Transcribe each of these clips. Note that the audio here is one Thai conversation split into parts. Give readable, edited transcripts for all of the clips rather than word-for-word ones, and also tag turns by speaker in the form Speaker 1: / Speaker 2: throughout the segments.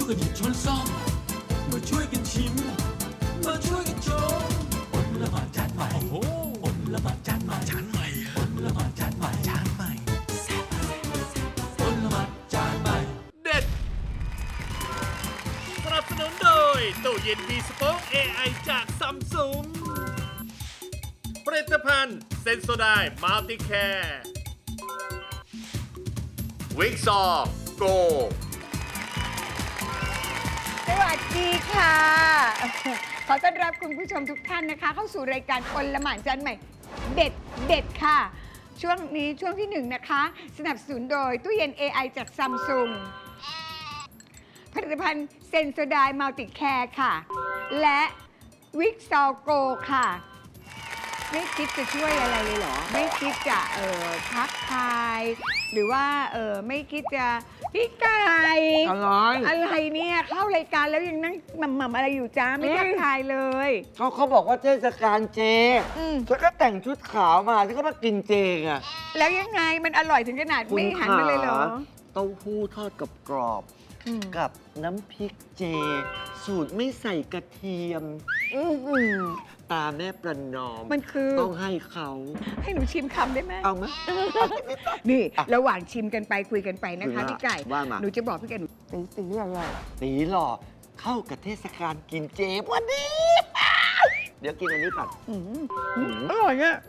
Speaker 1: วยกันหยิบช้อนซ่อมมาช่วยกันชิมมาช่วยกันชมอดละหมาดจานใหม่โอ้อดละหมาดจานใหม่จานใหม่อดละหมาดจานใหม่จานใหม่อดละหมาดจานใหม่
Speaker 2: เด็ดสนับสนุนโดยตู้เย็นมีสป็อค AI จากซัมซุงผลิตภัณฑ์เซนโซไดมัลติแคร์วิกซอโก
Speaker 3: สวัสดีค่ะ ขอต้อนรับคุณผู้ชมทุกท่านนะคะ เข้าสู่รายการอลหม่านจานใหม่ เด็ดเด็ดค่ะ ช่วงนี้ช่วงที่ 1 นะคะ สนับสนุนโดยตู้เย็น AI จากซัมซุงผลิตภัณฑ์เซนโซไดมัลติแคร์ค่ะ และวิกซอโกค่ะ ไม่คิดจะช่วยอะไรเลยเหรอ ไม่คิดจะทักทาย หรือว่าไม่คิดจะพี่ไก่อะไรเนี่ยเข้ารายการแล้วยังนั่งหม่ำอะไรอยู่จ้าไม่ทักทายเลย
Speaker 4: เขาบอกว่าเทศกาลเจฉันก็แต่งชุดขาวมาฉันก็มากินเจไง
Speaker 3: แล้วยังไงมันอร่อยถึงขนาดไม่หันมาเลยเหรอ
Speaker 4: เต้าหู้ทอดกับกรอบกับน้ำพริกเจ สูตรไม่ใส่กระเทียมตาแม่ประนอม
Speaker 3: มันคือ
Speaker 4: ต้องให้เขา
Speaker 3: ให้หนูชิมคำได้ไหม
Speaker 4: เอาไหม
Speaker 3: นี่ระหว่างชิมกันไปคุยกันไปนะคะพี่ไก่
Speaker 4: ว่ามา
Speaker 3: หนูจะบอกพี่ไก่หนูตีอะไร
Speaker 4: ตีหล่อเข้ากับเทศกาลกินเจพอดีเดี๋ยวกินอันนี้ผัด
Speaker 3: อร่อยอ่ะ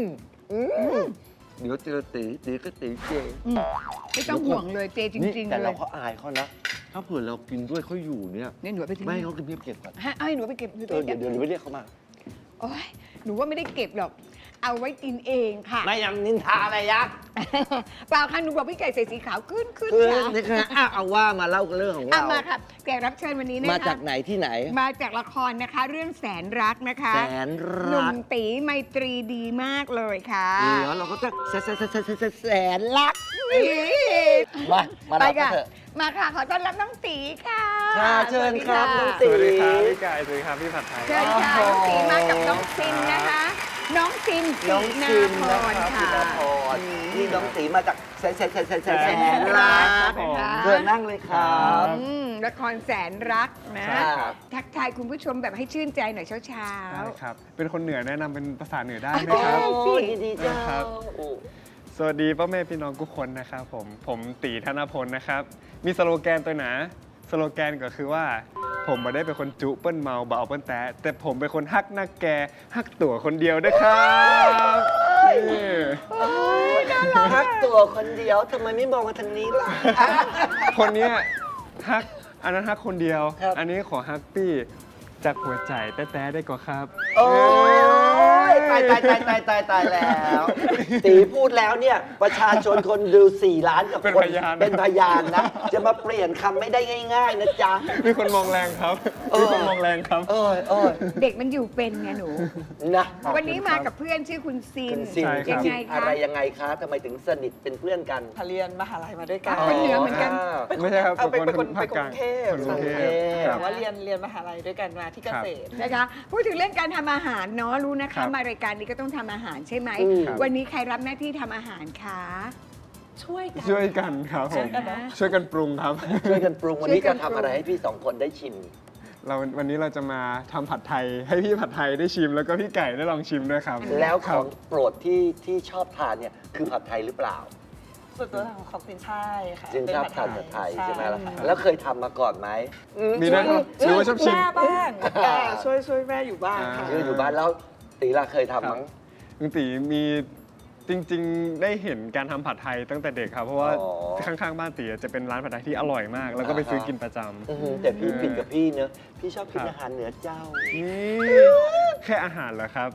Speaker 4: เดี๋ยวเจอตีก็ตีเจ
Speaker 3: ไม่ต้องห่วงเลยเจจริงๆ
Speaker 4: แต่
Speaker 3: เล
Speaker 4: เรา
Speaker 3: ย
Speaker 4: ก็อายเขานะ ถ้าเผื่อเรากินด้วยเขาอยู่เนี่ย
Speaker 3: เนี่ยหนูเอาไปทิ้ง
Speaker 4: ไม่ให้เขากินเพียบเก็บก่อน
Speaker 3: ให้หนูเอาไปเก็บ
Speaker 4: เดี๋ยวไปเรียกเขามา
Speaker 3: โอ๊ยหนูว่าไม่ได้เก็บหรอก เอาไว้กินเองค่ะ
Speaker 4: ไม่ยังนินทาอะไรยักษ์
Speaker 3: เปล่าค่ะหนูบอกพี่ไก่ใส่สีขาวขึ้น
Speaker 4: คือ
Speaker 3: ค่ะ
Speaker 4: นี่ค่ะเอาว่ามาเล่าเรื่องของ
Speaker 3: อ่ะ
Speaker 4: เรา
Speaker 3: มาค่ะแขกรับเชิญวันนี้นะคะ
Speaker 4: มาจากไหนที่ไหน
Speaker 3: มาจากละครนะคะ เรื่องแสนรักนะคะ
Speaker 4: แสน
Speaker 3: หนุ่
Speaker 4: รั
Speaker 3: ม
Speaker 4: ก
Speaker 3: ตีไมตรีดีมากเลยค่ะ
Speaker 4: เดี๋ยวเราก็จะแสนรัก มา
Speaker 3: ไป
Speaker 4: รับกั
Speaker 3: ค่ะ
Speaker 4: นเถอะ
Speaker 3: มาค่ะ ขอต้อนรับน้องตีค่ะ
Speaker 4: ค่ะเชิญครับน้อง
Speaker 3: ส
Speaker 4: ตี
Speaker 3: วัสดีค่ะ
Speaker 5: สวัสดีครับพี่กายสวัสดีครับพี่ผัดไทย
Speaker 3: เชิญค่ะน้องตีมากับน้องซินนะคะ น้องซิน
Speaker 4: น้อง
Speaker 3: นา
Speaker 4: ซิม
Speaker 3: พ
Speaker 4: นะครับ
Speaker 3: รค่ะ
Speaker 4: พี่นาพรนี่น้องตีมาจากแสน
Speaker 3: รั
Speaker 4: รัก
Speaker 3: กนะคะ
Speaker 4: เชิญนั่งเลยครับ
Speaker 3: ละครแสนรักนะ
Speaker 4: ครับ
Speaker 3: ทักทายคุณผู้ชมแบบให้ชื่นใจหน่อยเช้า
Speaker 5: ได้ครับ เป็นคนเหนือแนะนำเป็นภาษาเหนือได้ไหม
Speaker 3: ได้
Speaker 5: ครับ
Speaker 4: โอ้ยยินดีเจ้า
Speaker 5: ครับ สวัสดีพ่อแม่พี่น้องทุกคนนะครับผมตีธนพลนะครับ มีสโลแกนตัวหนาสโลแกนก็คือว่า ผมไม่ได้เป็นคนจุเปิ้ลเมาเบาเปิ้ลแต่ผมเป็นคนฮักนักแกฮักตัวคนเดียวนะครับนี่
Speaker 4: ทักตัวคนเดียวทำไมไม่มองมาทางนี้ล่ะ
Speaker 5: คนเนี้ยฮักอันนั้นฮักคนเดียว
Speaker 4: ครับ
Speaker 5: อันนี้ขอฮักปี้จากหัวใจแต้ๆได้ก่อนครับ
Speaker 4: โอ้ยตายแล้วตีพูดแล้วเนี่ย ประชาชนคนดู 4 ล้านกับ
Speaker 5: เป็น
Speaker 4: คน
Speaker 5: พยาน
Speaker 4: เป็นพยานนะ จะมาเปลี่ยนคำไม่ได้ง่าย ๆ นะจ๊ะ
Speaker 5: มีคนมองแรงครับ มีคนมองแรงครับ
Speaker 4: โอ้ย
Speaker 3: ๆ เด็กมันอยู่เป็นไงหนู
Speaker 4: นะ
Speaker 3: วันนี้มากับเพื่อนชื่อคุณซิน
Speaker 4: คุณซิน
Speaker 5: ใช่ครับ
Speaker 3: ยังไง
Speaker 4: อะ
Speaker 3: คะ
Speaker 4: ไรยังไงคะทำไมถึงสนิทเป็นเพื่อนกัน
Speaker 6: เรียนมหาลัยมาด้วยกัน
Speaker 3: คนเหนือเหมือนกัน
Speaker 5: ไม่ใช่ครับ
Speaker 6: เป็นคน
Speaker 5: ภาคกลาง
Speaker 6: กรุงเทพ
Speaker 5: คนกรุงเทพ
Speaker 4: ค
Speaker 5: ค
Speaker 4: รั
Speaker 5: รับ บ
Speaker 6: แต่ว่าเรียนมหาลัยด้วยกันมาที่เกษตร
Speaker 3: นะคะ พูดถึงเรื่องการทำอาหารเนาะรู้นะ
Speaker 5: ครั
Speaker 3: คะ
Speaker 5: บ
Speaker 3: มารายการนี้ก็ต้องทำอาหารใช่ไหม
Speaker 5: ครับ
Speaker 3: วันนี้ใครรับหน้าที่ทำอาหารคะ
Speaker 6: ช่วยกัน
Speaker 5: ช่วยกันครับผม
Speaker 3: ช่วยกันนะ
Speaker 5: ช่วยกันปรุงครับ
Speaker 4: ช่วยกันปรุงวันนี้จะทำอะไรให้พี่สองคนได้ชิม
Speaker 5: วันนี้เราจะมาทำผัดไทย ให้พี่ผัดไทยได้ชิม แล้วก็พี่ไก่ได้ลองชิมด้วยครับ
Speaker 4: แล้วข
Speaker 5: ครั
Speaker 4: อบ งโปรดที่ชอบทานเนี่ยคือผัดไทยหรือเปล่า
Speaker 6: ส่วนตัวของซินใช่ค่ะ
Speaker 4: จริงชอบทานผัดไทยใช่ไหมล่ะแล้วเคยทำมาก่อนไหม
Speaker 5: มีด้วยครับหรือว่าชอบชิม
Speaker 6: แม่บ้างช่วยแม่อยู่บ้างค่ะ
Speaker 4: คืออยู่บ้านแล้วตีลาเคยทำมั้ง
Speaker 5: ลุงตีมีจริงๆ ได้เห็นการทำผัดไทยตั้งแต่เด็กครับ เพราะว่า
Speaker 4: อ๋อ
Speaker 5: ข้างๆ บ้านตีจะเป็นร้านผัดไทยที่อร่อยมาก แล้วก็ไปซื้อกินประจำ
Speaker 4: แต่พี่ผิดกับพี่เนอะพี่ชอบกินอาหารเหนือเจ้า
Speaker 5: นี่แค่อาหารเหรอครับ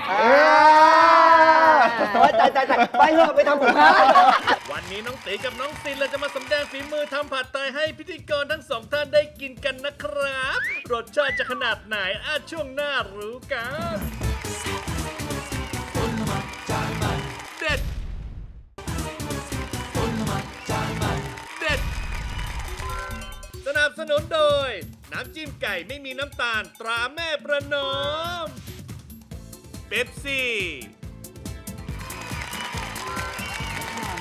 Speaker 4: โอ๊ยตายไปเถอะไปทำกับข้าว
Speaker 2: วันนี้น้องตีกับน้องซินเราจะมาสำแดงฝีมือทำผัดไทยให้พิธีกรทั้งสองท่านได้กินกันนะครับ รสชาติจะขนาดไหนช่วงหน้ารู้กัน
Speaker 1: อดละหมาดจานใหม่
Speaker 2: เด็ด
Speaker 1: อดละหมาดจานใหม่
Speaker 2: เด็ด สนับสนุนโดย น้ำจิ้มไก่ไม่มีน้ำตาลตราแม่ประนอมเป๊ปซี่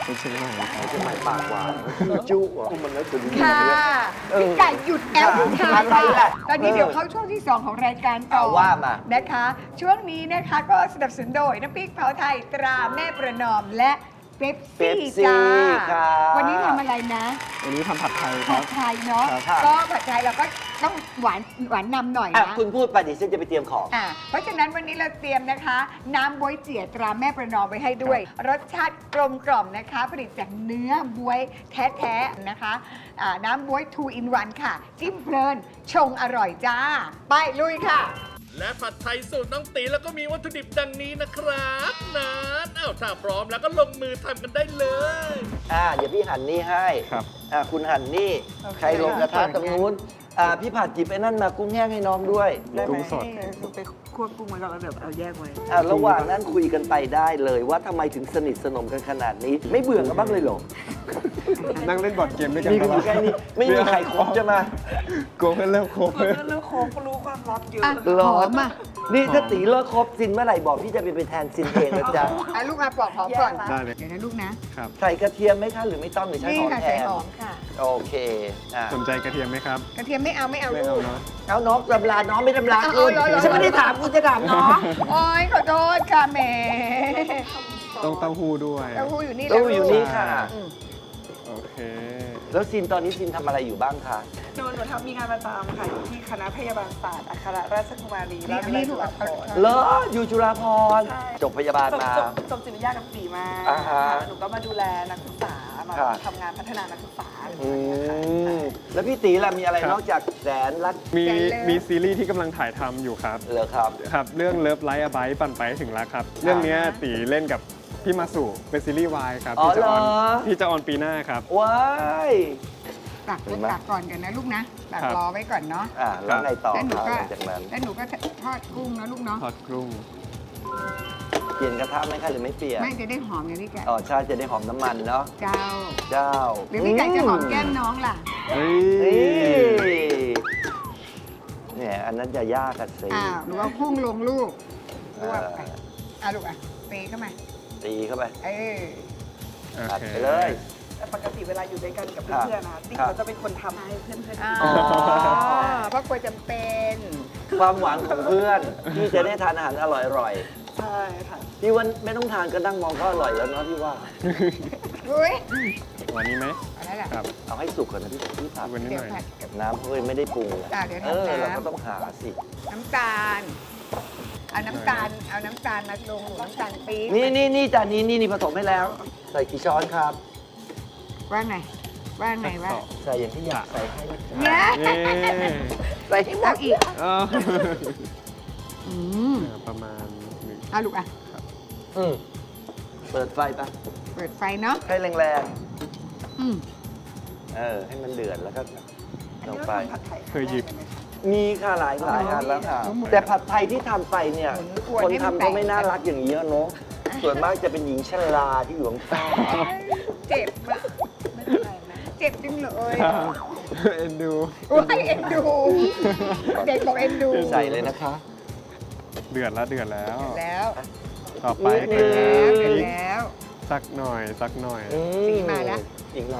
Speaker 5: คนเชียงใหม่ครับ
Speaker 4: เชียงใหม่ปากหวานจุ๊อ่ะมันน่าจะดี
Speaker 3: ค่ะ
Speaker 4: เออ
Speaker 3: พี่ไก่หยุดแอลทุกทาง
Speaker 4: อะไรล่ะ
Speaker 3: ตอนนี้เดี๋ยวเข้าช่วงที่ 2 ของรายการต่อ
Speaker 4: เอาว่ามา
Speaker 3: นะคะ ช่วงนี้นะคะก็สนับสนุนโดยน้ำพริกเผาไทยตราแม่ประนอมและเป๊ปซี่จ้า
Speaker 4: ค่ะ
Speaker 3: วันนี้ทำอะไรนะ
Speaker 5: วันนี้ทำผัดไทยค
Speaker 3: ผั
Speaker 5: รับ
Speaker 3: ดไทยเนาะ
Speaker 4: ครับ
Speaker 3: ก็ผัดไทยเราก็ต้องหวานนำหน่อย
Speaker 4: อ่ะ
Speaker 3: นะ
Speaker 4: คุณพูดไปเดี๋ยวฉันจะไปเตรียมของ
Speaker 3: เพราะฉะนั้นวันนี้เราเตรียมนะคะ น้ำบ๊วยเจี๋ยตราแม่ประนอมไว้ให้ด้วย รสชาติกลมกล่อมนะคะ ผลิตจากเนื้อบ๊วยแท้ๆนะคะน้ำบ๊วย 2 in 1 ค่ะ จิ้มเพลิน ชงอร่อยจ้า ไปลุยค่ะ
Speaker 2: และผัดไทยสูตรน้องตีแล้วก็มีวัตถุดิบดังนี้นะครับนั้นถ้าพร้อมแล้วก็ลงมือทำกันได้เลย
Speaker 4: เดี๋ยวพี่หั่นนี่ให้
Speaker 5: ครับ
Speaker 4: คุณหั่นนี่
Speaker 6: โอเค
Speaker 4: ใครลงกระทะตรงนู้นพี่ผัดจิบไอ้นั่นมากุ้งแห้งให้น้องด้วย
Speaker 6: ได้ไหม
Speaker 5: กุ้งสด
Speaker 6: ให้ไปควบกุ้งไว้ก่อนแล้วเดี๋ยวเอาแยกไว้
Speaker 4: ระหว่างนั้นคุยกันไปได้เลยว่าทำไมถึงสนิทสนมกันขนาดนี้ ไม่เบื่อกันบ้างเลยเหรอ
Speaker 5: นั่งเล่นบอร์ดเกมด้วยกัน
Speaker 4: มีกันอยู่แค่นี้ไม่มีใครคบจะมา
Speaker 5: โกงเพื่อนเลิกคบ
Speaker 6: เรื่องโค้งก็รู้ความลับเยอะ
Speaker 3: อ่ะ
Speaker 4: หรอ
Speaker 3: หอมอ่ะ
Speaker 4: นี่ถ้าตีเลิกคบซินเมื่อไหร่บอกพี่จะไปเป็นแทนซินเองนะจ๊ะ
Speaker 3: ลูกอาปอกหอมก่อน
Speaker 5: ได้เลย
Speaker 3: เดี๋ยวนะลูกนะ
Speaker 5: ครับ
Speaker 4: ใส่กระเทียมไหมคะหรือไม่ต้องหรือใช้
Speaker 3: นี่
Speaker 4: หอม
Speaker 3: ค่ะ
Speaker 4: แท
Speaker 3: ใส่
Speaker 4: น
Speaker 3: หอมค่ะ
Speaker 4: โอเคอ่ะ
Speaker 5: สนใจกระเทียมไหมครับ
Speaker 3: กระเทียมไม่เอา
Speaker 5: ไม่
Speaker 3: ลู
Speaker 5: เอา
Speaker 3: ก
Speaker 5: เนาะ
Speaker 4: เอาน้องตำราน้องไม่ตำรา
Speaker 3: เอา
Speaker 4: คุณ
Speaker 3: เอาเหรอ
Speaker 4: ฉันไม่ได้ถามคุณจะถามน้อง
Speaker 3: โอ้ยขอโทษค่ะแหม
Speaker 5: ต้องเต้าหู้ด้วย
Speaker 3: เต้าหู้อยู่นี่
Speaker 4: ตู้อยู่นี่ค่ะ
Speaker 3: อืม
Speaker 5: โอเค
Speaker 4: แล้วซินตอนนี้ซินทำอะไรอยู่บ้างคะ
Speaker 6: หนูทำมีงานประจำค่ะอยู่ที่คณะพยาบาลศาสตร์อัครราชกุมารี
Speaker 3: นี่
Speaker 6: ราชวิทยาลัย
Speaker 3: ลู
Speaker 6: จุ
Speaker 3: ก
Speaker 6: ฬา
Speaker 3: เอา
Speaker 6: ภรณ์
Speaker 3: เอา
Speaker 4: เหรออยู่จุฬาภรณ์
Speaker 6: ใช่
Speaker 4: จบพยาบาลมา
Speaker 6: จบจิตวิทยากับสีมา
Speaker 4: อ่าฮะ
Speaker 6: หนูก็มาดูแลนักศึกษามา
Speaker 4: ค่ะ
Speaker 6: ทำงานพัฒนานักศึกษาอะไรอย่าง
Speaker 4: อื
Speaker 6: เงี้ยค่ะ
Speaker 4: มแล้วพี่ตีล่ะมีอะไร
Speaker 5: ครับ
Speaker 4: นอกจากแสนรัก
Speaker 5: มีซีรีส์ที่กำลังถ่ายทำอยู่ครับ
Speaker 4: เหรอครับ
Speaker 5: ครับ เรื่อง Love Like a Bite ปั่นไปให้ถึงรักครับ เรื่องเนี้ยตีเล่นกับพี่มาสุเป็นซีรีส์วายครับ
Speaker 4: อ๋อ
Speaker 5: ที่จะออนปีหน้าครับ
Speaker 4: ว้าย
Speaker 3: ตัก
Speaker 4: เห็นไหม
Speaker 3: ตักก่อนกันนะลูกนะตัก
Speaker 5: ครับ
Speaker 3: รอไว้ก่อนเนาะ
Speaker 4: แล้วไงต่อ
Speaker 3: แล้วหนู
Speaker 4: ครับ
Speaker 3: ก็
Speaker 4: หลังจากนั้น
Speaker 3: แล้วหนูก็ทอดกุ้งนะลูกเนาะ
Speaker 5: ทอดกรุ้ง
Speaker 4: เปลี่ยนกระทะไหมคะหรือไม่เปลี่ยน
Speaker 3: ไม่จะได้หอมอย่างนี้แก
Speaker 4: อ๋อใช่จะได้หอมน้ำมันเนาะ
Speaker 3: เจ้า
Speaker 4: เจ้า
Speaker 3: หรือพี่ไก่จะหอมแก้มน้องล่ะ
Speaker 5: เฮ้
Speaker 4: นี่
Speaker 5: ย
Speaker 4: เนี่ยอันนั้นจะยากกันสิ
Speaker 3: อ้าวหนูเอากุ้งลงลูกลวกไป
Speaker 4: เออ
Speaker 3: อ่ะลูกอ่ะตีเข้ามา
Speaker 4: ตีเข้าไป
Speaker 3: เออ
Speaker 5: โอ
Speaker 4: อัด
Speaker 5: เค
Speaker 4: ไปเลย
Speaker 6: แต่ปกติเวลาอยู่ด้วยกันกับ
Speaker 4: ครับ
Speaker 6: เพื่อนๆนะคะติ๊ก
Speaker 4: ครับ
Speaker 6: เขาจะเป็นคนทำให้เพื่อนๆ
Speaker 3: อ๋อ
Speaker 6: กิน
Speaker 3: เพราะกลัวจำเป็น
Speaker 4: ความหวังของเพื่อนที่จะได้ทานอาหารอร่อย
Speaker 6: ใช่ค่ะ
Speaker 4: ๆพี่ว่าไม่ต้องทานก็นั่งมองก็อร่อยแล้วเนาะพี่ว่า
Speaker 3: อุ้ย
Speaker 5: วันนี้ไหม
Speaker 3: เอะไรล่ะ
Speaker 5: ครับ
Speaker 4: เอาให้สุกก่อนนะพี่ผัด
Speaker 5: วันนี้
Speaker 3: เดี๋
Speaker 5: ห
Speaker 3: ยว
Speaker 5: น่อย
Speaker 3: ผัดกับ
Speaker 4: น้ำเขาเลยไม่ได้ปรุงอะ
Speaker 3: เดี๋ยว
Speaker 4: เออ
Speaker 3: ทำ
Speaker 4: เราก็
Speaker 3: น้ำ
Speaker 4: ต้องหาสิ
Speaker 3: น้ำตาล เอาน้ำตาลมาลงหรือน้ำตาลปี๊บ
Speaker 4: นี่จานนี้ผสมให้แล้ว ใส่กี่ช้อนครับ
Speaker 3: ว่าไงว่าไงว่า
Speaker 4: ใส่อย่างที่อยากใส่ให้นะจ๊ะ
Speaker 3: เนี่ย
Speaker 5: เย้
Speaker 4: ใส่ให้หม
Speaker 3: เอา
Speaker 4: ด
Speaker 3: อีก
Speaker 5: เออ
Speaker 3: อืม
Speaker 5: ประมาณหนึ่ง
Speaker 3: เอาลูกอ่ะ
Speaker 4: อืมเปิดไฟปะ
Speaker 3: เปิดไฟเนาะ
Speaker 4: ให้แรง
Speaker 3: อืม
Speaker 4: ๆให้มันเดือดแล้วก็
Speaker 6: อัน
Speaker 4: ลง
Speaker 6: นี้เรา
Speaker 4: ไป
Speaker 6: ทำผัดไทย
Speaker 5: เคยหยิบ
Speaker 6: ครั้งแรกเลไหมคะ
Speaker 4: มีค่ะหลายอันแล้วค่ะ
Speaker 3: หมุน
Speaker 4: แต่ผัดไทยที่ทำไปเนี่ย
Speaker 3: หมุนกวน
Speaker 4: คน
Speaker 3: ให้มัน
Speaker 4: ทำก็ไม่
Speaker 3: แตก
Speaker 4: น่ารักอย่างนี้เนาะส่วนมากจะเป็นหญิงชราที่อยู่ข้างใต้
Speaker 3: เจ็บอะ
Speaker 6: ไม่เป็นไรนะ
Speaker 3: เจ็บจริงเลย
Speaker 5: เอ็นดู
Speaker 3: โอ้ยเอ็นดู เด็กบอกเอ็นดู
Speaker 4: ใส่เลยนะคะ
Speaker 5: เดือดแล้ว
Speaker 3: แล้ว
Speaker 5: ต่อไป
Speaker 4: นิ
Speaker 5: คื
Speaker 4: ด
Speaker 5: อ
Speaker 4: นึ
Speaker 3: แล้ว
Speaker 4: ง
Speaker 3: เสร็จ
Speaker 5: พริก
Speaker 3: แล้ว
Speaker 5: สักหน่อย
Speaker 3: สีมาแล้ว
Speaker 4: อีกหน่อย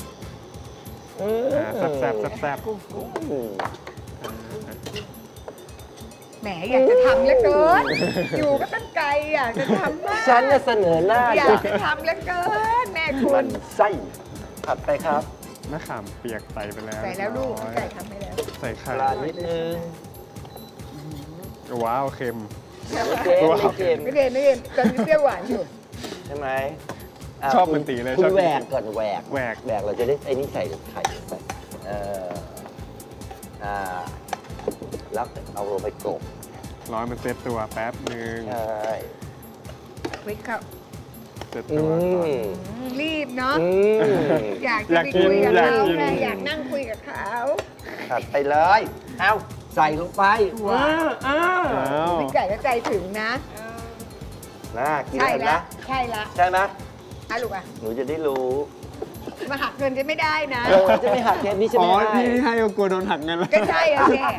Speaker 5: แซ่บแซ่บ
Speaker 4: อืม
Speaker 3: แหมอยากจะทำเหลือเกิน อยู่ก็ตั้งไกลอยากจะทำมาก
Speaker 4: ฉันจะเสนอหน้า
Speaker 3: อยากจะทำเหลือเกิน แม่คุ
Speaker 4: มั
Speaker 3: ณ
Speaker 4: นไส้ผัดไปครับ
Speaker 5: มะขามเปียกใส่ไปแล้ว
Speaker 3: ใส่แล้วลูก
Speaker 5: เรียบร้อย
Speaker 3: ไก่ทำไปแล้ว
Speaker 5: ใส่ไข่
Speaker 4: ปลานิดนึง
Speaker 5: ว้าวเค็ม
Speaker 4: ไม่เค็ม
Speaker 3: ไม่เรียนตอนนี้เปรี้ยวหวานอยู่
Speaker 4: ใช่ไหมะ
Speaker 5: ชอบเหมือนตีเลย
Speaker 4: คุ
Speaker 5: ชอ
Speaker 4: ณ
Speaker 5: บ
Speaker 4: แหวกก่อนแหวก
Speaker 5: แหวก
Speaker 4: เราจะได้ไอ้นี่ใส่ไข่ไปแล้วเอาลงไปกบ
Speaker 5: ร้อยมันเซตตัวแป๊บหนึ่ง
Speaker 4: ใช่
Speaker 3: คลิกเข้า
Speaker 5: เซตตัวก่อน
Speaker 3: รีบเนาะ
Speaker 4: อืม
Speaker 3: อยากจะไปคุยกับ
Speaker 5: อยาก
Speaker 3: เขา
Speaker 5: กิน
Speaker 3: ไงอยากนั่งคุยกับเขา
Speaker 4: ผัดไปเลย เอาใส่ลงไป
Speaker 3: ว้าว
Speaker 5: อ้าว
Speaker 3: พี่ไก่ก็ใจถึงนะ
Speaker 4: น่ากิน
Speaker 3: ใช่
Speaker 4: เห็น
Speaker 3: ละ
Speaker 4: นะ
Speaker 3: ใช่ละ
Speaker 4: ใช่ไหม
Speaker 3: อ่ะลูกอ่ะ
Speaker 4: หนูจะได้รู้
Speaker 3: มาหักเงินจะไม่ได้นะ
Speaker 4: จะไม่หักเทปนี้ใช่ไห
Speaker 5: อ๋
Speaker 4: ม
Speaker 5: อที่ให้ก็กลัวโดนหักเงินแล้ว
Speaker 3: ก็ใช่อะเนี่ย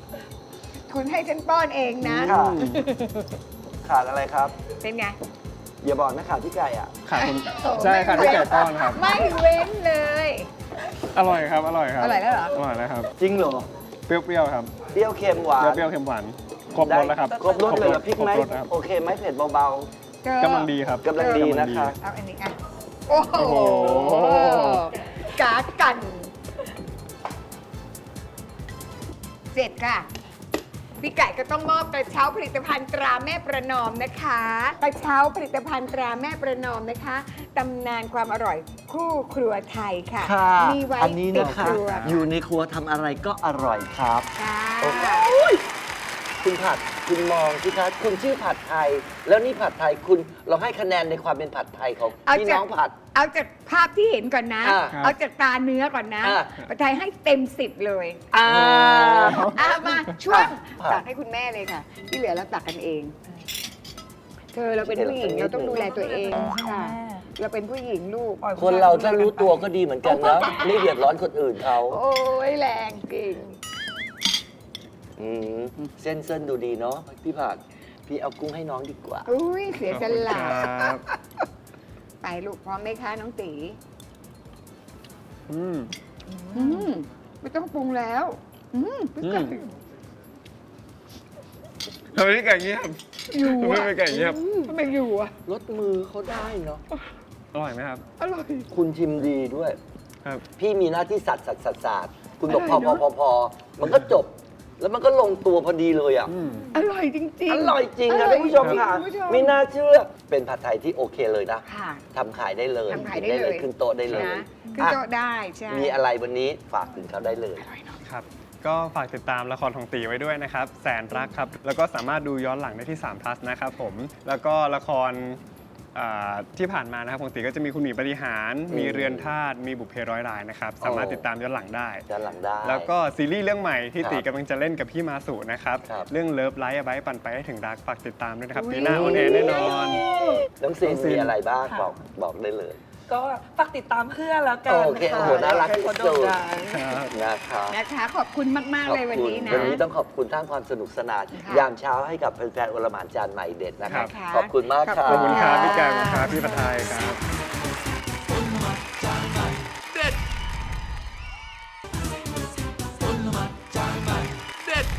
Speaker 3: คุณให้ฉันป้อนเองนะ
Speaker 4: ค่ะขาดอะไรครับ
Speaker 3: เป็นไง
Speaker 4: อย่าบอกนะข่าวพี่ไก่อ่ะ
Speaker 5: ขาคุณใช่ค่ะพี่ไก่ต้อนครับ
Speaker 3: ไม่เว้นเลย
Speaker 5: อร่อยครับ อร่อยครับ
Speaker 3: อร่อยแล้วเหรอ
Speaker 5: อร่อยแล้วครับ
Speaker 4: จริงเหรอ
Speaker 5: เปรี้ยวๆครับ
Speaker 4: เปรี้ยวเค็มหวาน
Speaker 5: เปรี้ยวๆเค็มหวาน ครบรสแล้วครับ
Speaker 4: ครบรสเลยเหรอพริกไหม
Speaker 5: ครบรสครับ
Speaker 4: โอเคไหมเผ็ดเบา
Speaker 3: เธอก
Speaker 5: ำลังดีครับ
Speaker 4: กำลังดีนะคะ
Speaker 3: เอาอันนี้อ่ะโอ้โห
Speaker 5: โอ้โห
Speaker 3: กากัน เสร็จค่ะ พี่ไก่ก็ต้องมอบกระเช้าผลิตภัณฑ์ตราแม่ประนอมนะคะ กระเช้าผลิตภัณฑ์ตราแม่ประนอมนะคะตำนานความอร่อยคู่ครัวไทยค่ะ
Speaker 4: ค่ะ
Speaker 3: มีไว้
Speaker 4: อันนี้
Speaker 3: ติด
Speaker 4: นะคะ
Speaker 3: ครัว
Speaker 4: อยู่ในครัวทำอะไรก็อร่อยครับ
Speaker 3: ค่ะ
Speaker 4: โอ้โหคุณผัดคุณมองสิคะคุณชื่อผัดไทย แล้วนี่ผัดไทยคุณเราให้คะแนนในความเป็นผัดไทยของพี่น้องผัด
Speaker 3: เอาจากภาพที่เห็นก่อนนะ
Speaker 4: อ่า
Speaker 3: เอาจากตาเนื้อก่อนนะ
Speaker 4: อ่า
Speaker 3: ประไทยให้เต็ม 10 เลย
Speaker 4: อ่า
Speaker 3: มาช่วง
Speaker 4: ครับ
Speaker 3: ตักให้คุณแม่เลยค่ะ ที่เหลือเราตักกันเอง เธอเราเป็นผู้หญิงเราต้องดูแลตัวเองค่ะ เราเป็นผู้หญิงลูก
Speaker 4: คนเราถ้ารู้ตัวก็ดีเหมือนกันนะไม่เดือดร้อนคนอื่นเขา
Speaker 3: โอ้ยแรงเก่ง
Speaker 4: อืมเส้นดูดีเนาะพี่ผัดพี่เอากุ้งให้น้องดีกว่า
Speaker 3: อุ้ยเสียสละ
Speaker 5: ครับ
Speaker 3: ไปลูกพร้อมไหมคะน้องตี
Speaker 5: อืม
Speaker 3: อืมไม่ต้องปรุงแล้วพี่ไก่
Speaker 5: ทำไมพี่ไก่เงียบ
Speaker 3: อยู่
Speaker 5: ทำไม
Speaker 3: อะ
Speaker 5: พี่ไก่เงียบ
Speaker 3: ทำไมอยู่อะ
Speaker 4: รสมือเขาได้เนาะ
Speaker 5: อร่อยไหมครับ
Speaker 3: อร่อย
Speaker 4: คุณชิมดีด้วย
Speaker 5: ครับ
Speaker 4: พี่มีหน้าที่สัตว์คุณบอก
Speaker 3: อ
Speaker 4: พ
Speaker 3: ร่
Speaker 4: อ
Speaker 3: อยเนอะ
Speaker 4: พอมันก็จบ แล้วมันก็ลงตัวพอดีเลยอ่ะ
Speaker 5: อืม
Speaker 3: อร่อยจริงๆ
Speaker 4: อร่อยจริงนะ
Speaker 3: อร่อย
Speaker 4: ท่านผู้ชมค่ะ
Speaker 3: จริงๆคุณผู้ชม
Speaker 4: ไม่น่าเชื่อ เป็นผัดไทยที่โอเคเลยนะ
Speaker 3: ค่ะ
Speaker 4: ทำขายได้เลย
Speaker 3: ทำขายได้เลย
Speaker 4: ขึ้นโต๊ะได้เลย
Speaker 3: นะขึ้นโต๊ะได้ใช่
Speaker 4: มีอะไรวันนี้ฝากถึงเขาได้เลย
Speaker 5: ครับ ก็ฝากติดตามละครของตีไว้ด้วยนะครับ แสนรักครับ แล้วก็สามารถดูย้อนหลังได้ที่3 plus นะครับผม แล้วก็ละครที่ผ่านมานะครับของตีก็จะมีคุณหมีปฏิหาร มีเรือนธาตุ มีบุพเพร้อยรายนะครับ สามารถติดตามย้อนหลังได้
Speaker 4: ด้านหลังได้
Speaker 5: แล้วก็ซีรีส์เรื่องใหม่ที่
Speaker 4: ครับ
Speaker 5: ตีกำลังจะเล่นกับพี่มาสุนะครับ
Speaker 4: ครับ
Speaker 5: เรื่องเลิฟไลท์ไบปั่นไปให้ถึงรักฝากติดตามด้วยนะครับ
Speaker 3: อุ๊ย
Speaker 5: ปีหน้าออนแอร์แน่นอน
Speaker 4: น้องซีน
Speaker 5: น้องซีน
Speaker 4: มีอะไรบ้าง
Speaker 6: ค่ะ
Speaker 4: บอกได้เลย
Speaker 6: ก็ฝากติดตามเพื่อนแล้วกัน
Speaker 4: โอเค
Speaker 6: ค่ะ
Speaker 4: โอ้โหน่ารัก
Speaker 6: อยให้เขา
Speaker 4: ที่สุ
Speaker 6: โด่ง
Speaker 4: ด
Speaker 6: ดัง
Speaker 4: นะคะ
Speaker 3: นะคะขอบคุณมาก ๆ เลยวันนี้นะ
Speaker 4: วันนี้ต้องขอบคุณทั้งความสนุกสนาน
Speaker 3: ค่ะ
Speaker 4: ยามเช้าให้กับแฟนๆโอลหม่านจานใหม่เด็ดนะครับ
Speaker 3: ค่ะ
Speaker 4: ขอบคุณมากครั
Speaker 5: ขอบคุณครับ
Speaker 3: ะ
Speaker 5: พี่แกงครับพี่ผัดไทยครับ
Speaker 2: เด็ดเด็ด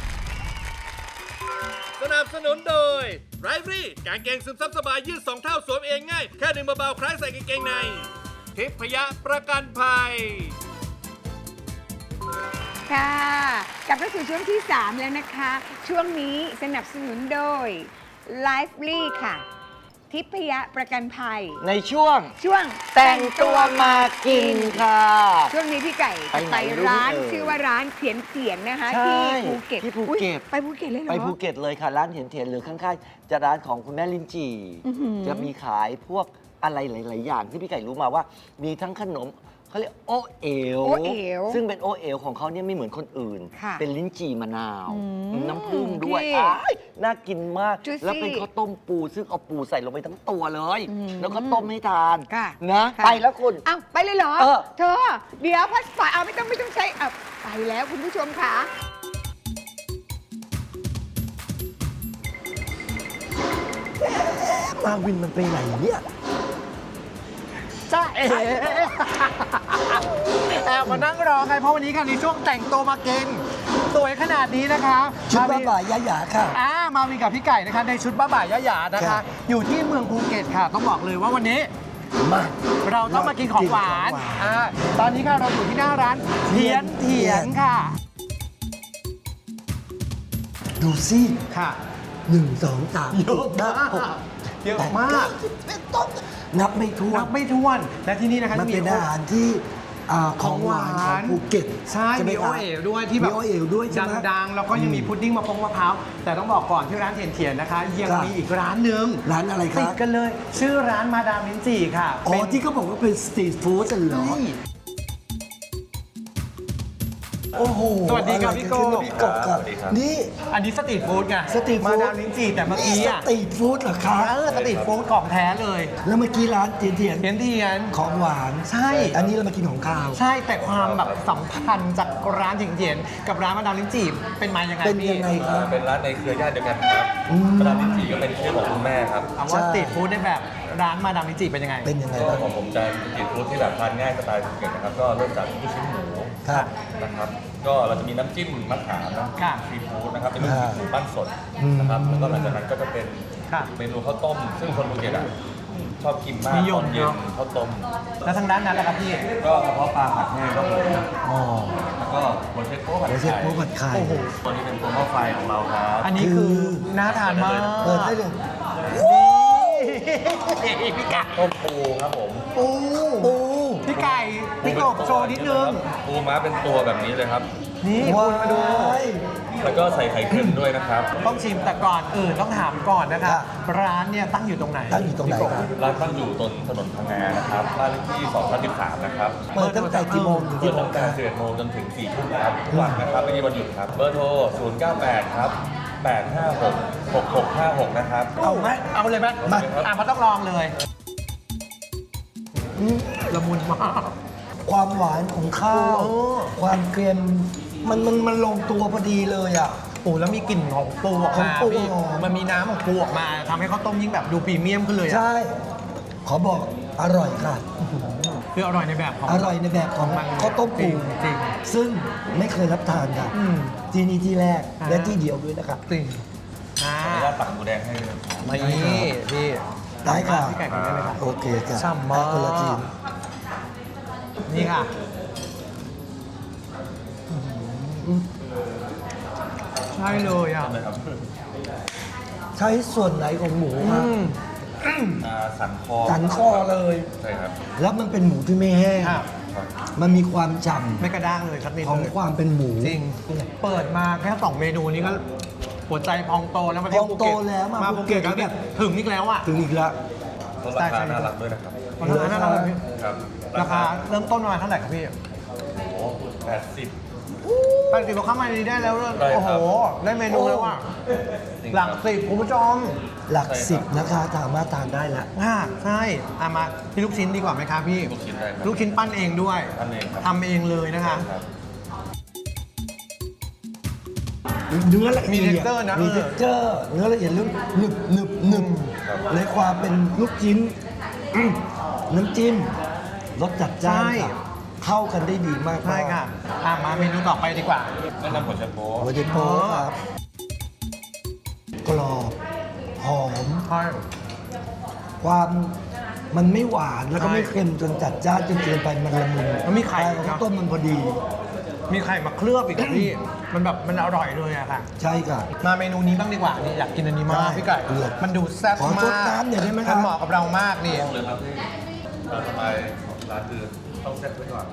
Speaker 2: สนับสนุนโดยไรฟรี่กางเกงซึมซับสบายยืด2 เท่าสวมเองง่าย แค่ดึงเบาๆคล้ายใส่กางเกงใน ทิพยะประกันภัย
Speaker 3: ค่ะกลับเข้าสู่ช่วงที่ 3 แล้วนะคะ ช่วงนี้สนับสนุนโดย Lively ค่ะ ทิพยประกันภัย
Speaker 4: ในช่วง
Speaker 3: ช่วง
Speaker 4: แต่งตัวมากินค่ะ
Speaker 3: ช่วงนี้พี่ไก่
Speaker 4: ไปไหน
Speaker 3: ไป
Speaker 4: รู้
Speaker 3: ร้าน
Speaker 4: เอ่ย
Speaker 3: ชื่อว่าร้านเขียนเขียนนะคะ
Speaker 4: ใช่
Speaker 3: ที่ภูเก็ต
Speaker 4: ที่ภูเก็ต
Speaker 3: อุ๊ยไปภูเก็ตเลยเหรอ
Speaker 4: ไปภูเก็ตเลยค่ะ ร้านเถียนเถียนหรือข้างๆจะร้านของคุณแม่ลินจี
Speaker 3: อื้อหือ
Speaker 4: จะมีขายพวกอะไรหลาย ๆ อย่างที่พี่ไก่รู้มาว่า มีทั้งขนมเขาเรียกโอเอ๋ว
Speaker 3: โอเอ๋ว
Speaker 4: ซึ่งเป็นโอเอ๋วของเขาเนี่ยไม่เหมือนคนอื่น
Speaker 3: ค่ะ
Speaker 4: เป็นลิ้นจี่มะนาว
Speaker 3: อืม
Speaker 4: น้ำผึ้งด้วย
Speaker 3: พี่
Speaker 4: อ้ายน่ากินมาก
Speaker 3: Juicy
Speaker 4: แล้วเป็นข้าวต้มปู ซึ่งเอาปูใส่ลงไปทั้งตัวเลย
Speaker 3: อืม
Speaker 4: แล้วก็ต้มให้ทาน
Speaker 3: ค่ะ
Speaker 4: นะ
Speaker 3: ค่ะ
Speaker 4: ไปแล้วคุณ
Speaker 3: อ้าวไปเลยเหรอ
Speaker 4: เออ
Speaker 3: เธอ เดี๋ยวพัสปอยเอาไม่ต้องใช้อ่ะไปแล้วคุณผู้ชมค่ะ
Speaker 4: มาวินมันไปไหนเนี่ย
Speaker 7: จ้าเอ๋แอบมานั่งรอไงเพราะวันนี้ค่ะในช่วงแต่งตัวมาเก่งสวยขนาดนี้นะคะ
Speaker 8: ชุด
Speaker 7: ม
Speaker 8: บ้า
Speaker 7: วิน
Speaker 8: บ่ายยะหยาค่ะ
Speaker 7: มาวินกับพี่ไก่นะคะในชุดบ้าบ่ายยะหยานะ
Speaker 8: ครั
Speaker 7: คะ
Speaker 8: บ
Speaker 7: อยู่ที่เมืองภูเก็ตค่ะ ต้องบอกเลยว่าวันนี้
Speaker 8: มา
Speaker 7: เราต้องมากินของหวาน
Speaker 8: กินของหวาน
Speaker 7: ตอนนี้ค่ะเราอยู่ที่หน้าร้านเทียนค่ะ
Speaker 8: ดูสิ
Speaker 7: ค่ะ
Speaker 8: 1 2 3
Speaker 7: เยอะมากเยอะมาก
Speaker 8: เป็นต้นนับไม่ถ้ว
Speaker 7: นั
Speaker 8: น
Speaker 7: บไม่ถ้วนและที่นี่นะคะ
Speaker 8: มัน
Speaker 7: จะ
Speaker 8: เป็นอาหารที่ของหวานของภูเก็ต
Speaker 7: ใช่
Speaker 8: ไห
Speaker 7: มีโอ
Speaker 8: คะ
Speaker 7: เอ๋วด้วยที่แบบ
Speaker 8: มีโอเอ๋วด้วยใช่ไหม
Speaker 7: ดังๆแล้วก็ยังมีพุดดิ้งมะพร้าวแต่ต้องบอกก่อนที่ร้านเทียนนะคะ ยัง
Speaker 8: ครับ
Speaker 7: มีอีกร้านหนึ่ง
Speaker 8: ร้านอะไรครับ
Speaker 7: ติดกันเลย ชื่อร้านมาดามลิ้นจี่ค่ะ
Speaker 8: อ๋อ
Speaker 7: เป็น
Speaker 8: ที่เขาบอกว่าเป็นสตรีทฟู้ดเหรอ
Speaker 7: ใช่
Speaker 8: โอ้โห
Speaker 7: สวัสดีครับพี่โก้
Speaker 8: พี่กบครับนี่
Speaker 7: อันนี้สตรีทฟู้ดไง
Speaker 8: สตรีทฟู้ด
Speaker 7: มาดามลิ้นจี่แต่เมื่อกี้
Speaker 8: ส
Speaker 7: อ่ะ
Speaker 8: ตรีทฟู้ดเหรอครับ
Speaker 7: สตรีทฟู้ดของแท้เลย
Speaker 8: แล้วเมื่อกี้ร้านเทียน
Speaker 7: เทียนเทียน
Speaker 8: ของหวาน
Speaker 7: ใช่
Speaker 8: อันนี้เรามากินของข้าว
Speaker 7: ใช่แต่ความแบบสัมพันธ์จากร้านเทียนกับร้านมาดามลิ้นจี่เป็นมายังไง
Speaker 8: เป็น
Speaker 7: พี่
Speaker 8: ยังไงครับ
Speaker 9: เป็นร้านในเครือญาติเดียวกันครับมาดามลิ้นจี่ก็เป็นชื่อของคุณแม่ครับ
Speaker 7: ถามว่าสตรีทฟู้ดในแบบร้านมาดามลิ้นจี่เป็นยังไง
Speaker 8: เป็นยังไง
Speaker 9: ก็
Speaker 8: บ้าง
Speaker 9: ของผมจะเป็นสตรีทฟู้ดที่แบบทานง่ายสไตล์ภูเก็ตนะครับ ก็เริ่มจากลูกชิ้นหมู
Speaker 8: ครับ
Speaker 9: นะครับ ก็เราจะมีน้ำจิ้มมะขามน้ำ
Speaker 7: ค่ะ
Speaker 9: ซีฟู้ดนะครับ เป็นลูกชิ้นหมูปั้นสด
Speaker 8: อืม
Speaker 9: นะครับ แล้วก็หลังจากนั้นก็จะเป็น
Speaker 7: ค่ะ
Speaker 9: เมนูข้าวต้ม ซึ่งคนภูเก็ตอ่ะชอบกินมาก
Speaker 7: นิย
Speaker 9: ต
Speaker 7: ม
Speaker 9: อนเย็น
Speaker 7: เนอะ
Speaker 9: ข้าวต้ม
Speaker 7: แล้วทางด้านนั้นล่ะครับพี่
Speaker 9: ก็กระเพาะปลาผัดแห้งครับผม
Speaker 8: อ๋อ
Speaker 9: แล้วก็หัวเชฟโป๊ะผัด
Speaker 8: หัวเชฟ
Speaker 9: ไข่
Speaker 8: โป๊ะผัดไข่
Speaker 7: โอ้โห
Speaker 9: ตัวนี้เป็นตัวหม้อไฟของเราครับ
Speaker 7: อันนี้คือน่าทานมาก
Speaker 8: เปิดได้เลย
Speaker 7: นี่พี่ไก่
Speaker 9: ต้มปูครับผม
Speaker 7: ปู
Speaker 8: ปู
Speaker 7: พี่ไก่พี่กบโชว์นิดนึง
Speaker 9: ปูม้าเป็นตัวแบบนี้เลยครับ
Speaker 7: นี่
Speaker 8: ว้า
Speaker 7: คุณมาดู
Speaker 8: ย
Speaker 9: แล้วก็ใส่ไข่เค็มด้วยนะครับ
Speaker 7: ต้องชิมแต่ก่อนอื่นต้องถามก่อนนะคะ
Speaker 8: ครับ
Speaker 7: ร้านเนี่ยตั้งอยู่ตรงไหน
Speaker 8: ตั้งอยู่ตรงไหนครับ
Speaker 9: ร้านตั้งอยู่ตรงถนนพังงานะครับบ้านเลขที่213นะครับ
Speaker 8: เปิดตั้งแต่กี่โมงถึง
Speaker 9: เปิ
Speaker 8: กี่
Speaker 9: ด
Speaker 8: โม
Speaker 9: ตั้
Speaker 8: ง
Speaker 9: ง
Speaker 8: ค
Speaker 9: แต่
Speaker 8: รับ
Speaker 9: 11 โมงจนถึง 4 ทุ่มครับทุกวันนะครับไม่มีวันหยุดครับ เบอร์โทร 098 ครับ 856 6656 นะครับ
Speaker 8: เอาไหม
Speaker 7: เอาเลยไหม
Speaker 8: มา
Speaker 7: มันต้องลองเลย
Speaker 8: อืม
Speaker 7: ละมุนมาก
Speaker 8: ความหวานของข้าว
Speaker 7: โอ้
Speaker 8: ความเกรียมมันลงตัวพอดีเลยอ่ะ
Speaker 7: ปูแล้วมีกลิ่นของปูออก
Speaker 8: ของ
Speaker 7: มา
Speaker 8: ปู
Speaker 7: พี่
Speaker 8: หอม
Speaker 7: มันมีน้ำของปูออกมาทำให้ข้าวต้มยิ่งแบบดูพรีเมียมขึ้นเลยอะ
Speaker 8: ใช่ ขอบอกอร่อยค่ะ
Speaker 7: คืออร่อยในแบบของ
Speaker 8: อร่อยในแบบของ
Speaker 7: มัน
Speaker 8: ข้าวต้มปู
Speaker 7: จริง
Speaker 8: ซึ่งไม่เคยรับทานค่ะ
Speaker 7: อืม
Speaker 8: ที่นี่ที่แรก
Speaker 7: อ่า
Speaker 8: และที่เดียวด้วยนะครับ
Speaker 7: จริงอ่า
Speaker 9: ขออนุญาตตักหมูแดงให้เลยครับ
Speaker 7: มานี่พี่
Speaker 8: ได้ค่ะ
Speaker 7: พี่ไก่กินได้ไหมครับ
Speaker 8: โอเคค่ะ
Speaker 7: ฉ่ำมาก
Speaker 8: คนละทีม
Speaker 7: นี่ค่ะใช่เลยอ่ะ
Speaker 9: นะครับ
Speaker 8: ใช้ส่วนไหนของหมู
Speaker 7: อื
Speaker 8: ครับ
Speaker 7: ม
Speaker 9: สันคอ
Speaker 8: สันคอเลย
Speaker 9: ใช่ครับ
Speaker 8: แล้วมันเป็นหมูที่ไม่แห้ง
Speaker 7: ครับ
Speaker 8: มันมีความฉ่
Speaker 7: ไม่กระด้างเลยสักนิด
Speaker 8: ำของ
Speaker 7: เลย
Speaker 8: ความเป็นหมู
Speaker 7: จริง เปิดมาแค่2เมนูนี้ก็หัวใจพองโตแล้วมาเที่ยว
Speaker 8: พ
Speaker 7: ภู
Speaker 8: องโต
Speaker 7: เก็ต
Speaker 8: แล้วมา
Speaker 7: ภูเก็ต
Speaker 8: ภูเก็ต
Speaker 7: แล้วแบบถึงอีกแล้วอ่ะ
Speaker 8: ถึงอีกแล้ว
Speaker 9: แล้วราคาน่ารักด้วยนะครับ
Speaker 7: ราคาน่ารักเลยพี่
Speaker 9: ครับ
Speaker 7: ราคาเริ่มต้นประมาณเท่าไหร่ครับพี่
Speaker 9: โอ้80
Speaker 7: 80เราเข้ามาในนี้ได้แล้ว
Speaker 9: ได้ครับ
Speaker 7: โอ้โห ได้เมนูแล้วอ่ะ
Speaker 9: จริง
Speaker 7: หลัก
Speaker 9: ครับ
Speaker 7: สิบคุณผู้ชม
Speaker 8: หลัก10นะคะสามารถทานได้แล้ว
Speaker 7: ใช่เอามาที่ลูกชิ้นดีกว่าไหมครับพี่
Speaker 9: ลูกชิ้นได้ครับ
Speaker 7: ลูกชิ้นปั้นเองด้วย
Speaker 9: ปั้นเองครับ
Speaker 7: ทำเองเลยนะคะ
Speaker 9: ครับ
Speaker 8: เนื้อละเอียด
Speaker 7: มี texture นะ
Speaker 8: มีเท็กเจอร์เนื้อละเอียดลึกหนึบหนึบหนึบในความเป็นลูกชิ้นน้ำจิ้มรสจัดจ้าน
Speaker 7: ใช่
Speaker 8: ค่ะเข้ากันได้ดีมาก
Speaker 7: ใช่ค่ะมาเมนูต่อไปดีกว่า
Speaker 9: แนะนำหัวเชฟโป๊ะ
Speaker 8: หัวเจโปครับกรอบหอม
Speaker 7: ใช่
Speaker 8: ความมันไม่หวานแล้วก็
Speaker 7: ใช่
Speaker 8: ไม่เค็มจนจัดจ้านจนเกินไปมันละมุน
Speaker 7: มันมีไข่
Speaker 8: ใช่ข้าวต้มมันพอดี
Speaker 7: มีไข่มาเคลือบอีกอะพี่ มันแบบมันอร่อยเลยอะค่ะ
Speaker 8: ใช่ค่ะ
Speaker 7: มาเมนูนี้บ้างดีกว่านี่อยากกินอันนี้มาก
Speaker 8: ได้
Speaker 7: พี่ไก่
Speaker 8: เลือก
Speaker 7: มันดูแซ่บ
Speaker 8: ขอ
Speaker 7: มาก
Speaker 8: ซดน้ำหน่อยได้ไหมครับ
Speaker 7: มันเหมาะกับเรามากนี่
Speaker 9: ต้องเลยครับพี่สไตล์ของร้านคือต้องเซ็ตไว้ก่อน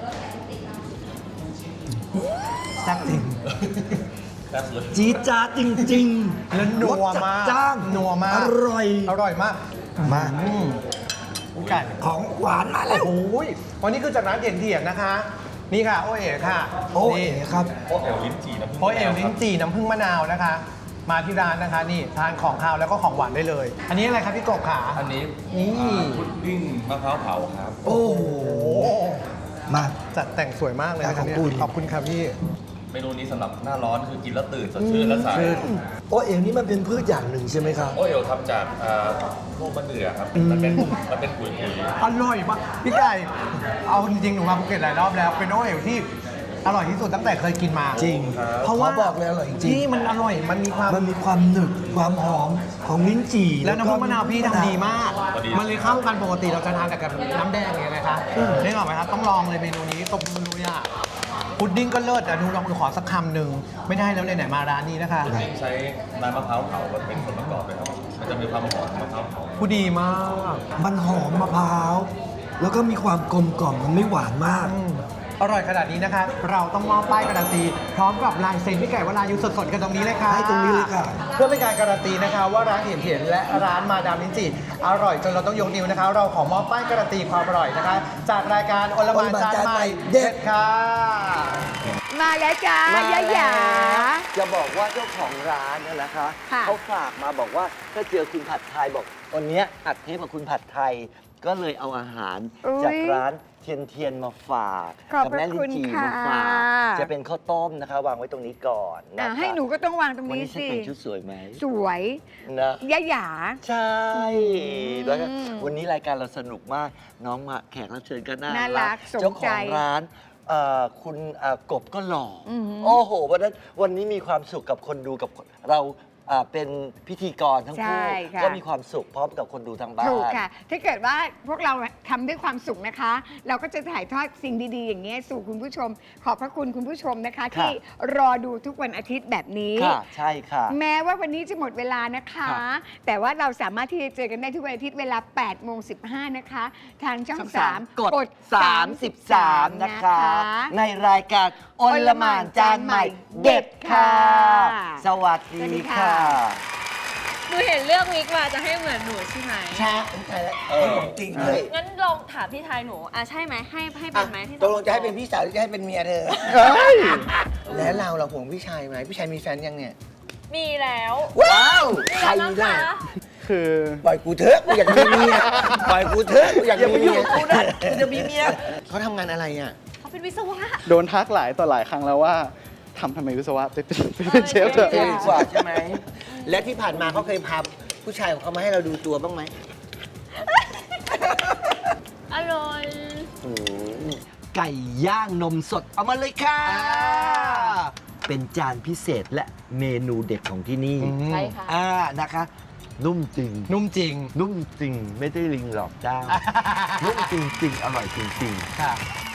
Speaker 7: แซ่บจริง
Speaker 9: แซ่บเลย
Speaker 8: จี๊ดจ๊าดจริงๆ
Speaker 7: แล้วนัว
Speaker 8: รสจัด
Speaker 7: มาก
Speaker 8: จ้าน
Speaker 7: นัวมาก
Speaker 8: อร่อย
Speaker 7: อร่อยมาก
Speaker 8: มา
Speaker 7: พี่ไก่
Speaker 8: ของหวานมาแล้ว
Speaker 7: โอ้ยวันนี้คือจากร้านเถียนๆนะคะ นี่ค่ะ โอเอ๋ค่ะ
Speaker 8: โอ้
Speaker 7: นี่
Speaker 8: เอ๋ครับ
Speaker 9: โป๊ะเอลลิ้นจี่น้ำผึ้ง
Speaker 7: โอเอ๋ลิ้นจี่น้ำผึ้งมะนาวนะคะ มาที่ร้านนะคะ นี่ทานของคาวแล้วก็ของหวานได้เลย อันนี้อะไรครับพี่กบขา
Speaker 9: อันนี้
Speaker 7: นี่
Speaker 9: พุดดิ้งมะพร้าวเผาครับ
Speaker 8: โอ้โห มา
Speaker 7: จัดแต่งสวยมากเลยนะคะเนี่ย
Speaker 8: ขอบคุณ
Speaker 7: ขอบคุณครับพี่
Speaker 9: เมนูนี้สำหรับหน้าร้อนคือกินแล้วตื่นสดชื่นและใส
Speaker 8: โอ้เอ๋นี่มันเป็นพืชอย่างหนึ่งใช่ไหมครับ
Speaker 9: โอเอลทำจากพวกมะเดื่อครับ มันเป็นปุ๋ย
Speaker 7: อร่อยมากพี่ไก่ เอาจริงๆหนูมาภูเก็ตหลายรอบแล้ว เป็นโอเอ๋ที่อร่อยที่สุดตั้งแต่เคยกินมา
Speaker 8: จริง
Speaker 7: เพราะว่า
Speaker 8: ขอบอกเลยอร่อยจริง
Speaker 7: ที่มันอร่อย มันมีความ
Speaker 8: มันมีความหนึบความหอมของลิ้นจี่
Speaker 7: แล้วน้ำผึ้งมะนาวพี่ทำดีมาก
Speaker 9: พอดี
Speaker 7: มันเลยเข้ากันปกติเราจะทานแต่กับน้ำแดงไงนะคะได้หรอกไหมครับ ต้องลองเลยเมนูนี้ตบมือเลยอ่ะพุดดิ้งก็เลิศอ่ะดูลองดูขอสักคำหนึ่งไม่ได้แล้วไหนๆมาร้านนี้นะคะ
Speaker 9: พุดดิ้งใช้น้ำมะพร้าวเผาเป็นส่วนประกอบเลยครับ มันจะมีความหอมมะพร้าวเผา
Speaker 7: ผู้ดีมาก
Speaker 8: มันหอมมะพร้าว แล้วก็มีความกลมกล่อมมันไม่หวานมาก
Speaker 7: อร่อยขนาดนี้นะคะ เราต้องมอบป้ายการันตี พร้อมกับลายเซ็นพี่ไก่วรายุสดๆกันตรงนี้เลยค่ะ
Speaker 8: ให้ตรงนี้เลยค่ะ
Speaker 7: เพื่อเป็นการการันตีนะคะ ว่าร้านเถียนๆและร้านมาดามลิ้นจี่อร่อยจนเราต้องยกนิ้วนะคะ เราขอมอบป้ายการันตีความอร่อยนะคะ จากรายการโอลหม่านจานใหม่เด็ดค่ะ
Speaker 3: มาแล้วจ้า
Speaker 4: มา
Speaker 3: ย่าหยา
Speaker 4: จะบอกว่าเจ้าของร้านเนี่ยนะคะ
Speaker 3: ค่ะ
Speaker 4: เขาฝากมาบอกว่าถ้าเจอคุณผัดไทยบอกวันเนี้ยอัดเทปกับคุณผัดไทย ก็เลยเอาอาหาร
Speaker 3: อุ๊ย
Speaker 4: จากร้านเทียนเทียนมาฝาก
Speaker 3: ขอบ
Speaker 4: กั
Speaker 3: พระ
Speaker 4: แม่ลิ้
Speaker 3: คุ
Speaker 4: น
Speaker 3: ณ
Speaker 4: จี่
Speaker 3: ค่ะ
Speaker 4: มาฝากจะเป็นข้าวต้มนะคะ วางไว้ตรงนี้ก่อนนะคะ
Speaker 3: ให้หนูก็ต้องวางตรง
Speaker 4: วัน
Speaker 3: นี้
Speaker 4: นี้ฉัน
Speaker 3: สิ
Speaker 4: แต่งชุดสวยไหม
Speaker 3: สวย
Speaker 4: นะ
Speaker 3: ย่าหยา
Speaker 4: ใช่แล้วก็
Speaker 3: อืม
Speaker 4: วันนี้รายการเราสนุกมากน้องมาแขกรับเชิญก็น่า
Speaker 3: น่ารักสมใจ
Speaker 4: เจ้าของร้านคุณกบก็หล่ออ
Speaker 3: อหือ
Speaker 4: โอ้โหวันนี้มีความสุขกับคนดูกับเราเป็นพิธีกรทั้งคู่
Speaker 3: ใช่ค่ะ
Speaker 4: ก็มีความสุขพร้อมกับคนดูทางบ้าน
Speaker 3: ถูกค่ะ ถ้าเกิดว่าพวกเราทำด้วยความสุขนะคะ เราก็จะถ่ายทอดสิ่งดีๆ อย่างนี้ยสู่คุณผู้ชม ขอบพระคุณคุณผู้ชมนะคะ ที่รอดูทุกวันอาทิตย์แบบนี้
Speaker 4: ค่ะใช่ค่ะ
Speaker 3: แม้ว่าวันนี้จะหมดเวลานะคะ แต่ว่าเราสามารถที่จะเจอกันได้ทุกวันอาทิตย์เวลา 8:15 นะคะ ทางช่อง 3
Speaker 4: กด 33 นะคะ ในรายการอลหม่านจานใหม่เด็ดค่ะ สวัสดีค่ะ
Speaker 10: หนูเห็นเลือกวิกมาจะให้เหมือนหนูใช่ไหม
Speaker 8: ใช่ใช่แล้วของจริงเลย
Speaker 10: งั้นลองถามพี่ชายหนูใช่ไหมให้เป็นไหมที่
Speaker 8: ตกลงจะให้เป็นพี่สาวหรือจะให้เป็นเมียเธอแล้วเราห่วงพี่ชายไหมพี่ชายมีแฟนยังเนี่ย
Speaker 10: มีแล้ว
Speaker 8: ว้าวใคร
Speaker 10: แล้ว
Speaker 8: ล่ะ
Speaker 10: คะ
Speaker 5: คือ
Speaker 8: ปล่อยกูเถอะกูอยากมีเมียปล่อยกูเถอะกูอยาก
Speaker 4: อย่า
Speaker 8: มี
Speaker 4: ไปยุ่
Speaker 8: เมี
Speaker 4: ง
Speaker 8: ย
Speaker 4: กับกูนะกูจะมีเมีย
Speaker 8: เขาทำงานอะไรอ่ะ
Speaker 10: เขาเป็นวิศวะ
Speaker 5: โดนทักหลายต่อหลายครั้งแล้วว่าทำไมวิศวะไปเป็นเชฟเถอะ
Speaker 8: เท่ดีกว่าใช่ไหม และที่ผ่านมาเขาเคยพาผู้ชายของเขามาให้เราดูตัวบ้างไหม
Speaker 10: อร่อย
Speaker 4: ไก่ย่างนมสดเอามาเลยค่ะ เป็นจานพิเศษและเมนูเด็ดของที่นี่
Speaker 10: ใช่ค่ะ
Speaker 4: นะคะ นุ่มจริง
Speaker 7: นุ่มจริง
Speaker 4: นุ่มจริงไม่ได้ลิงหลอกเจ้า นุ่มจริง ๆ อร่อยจริง ๆ
Speaker 7: ค่ะ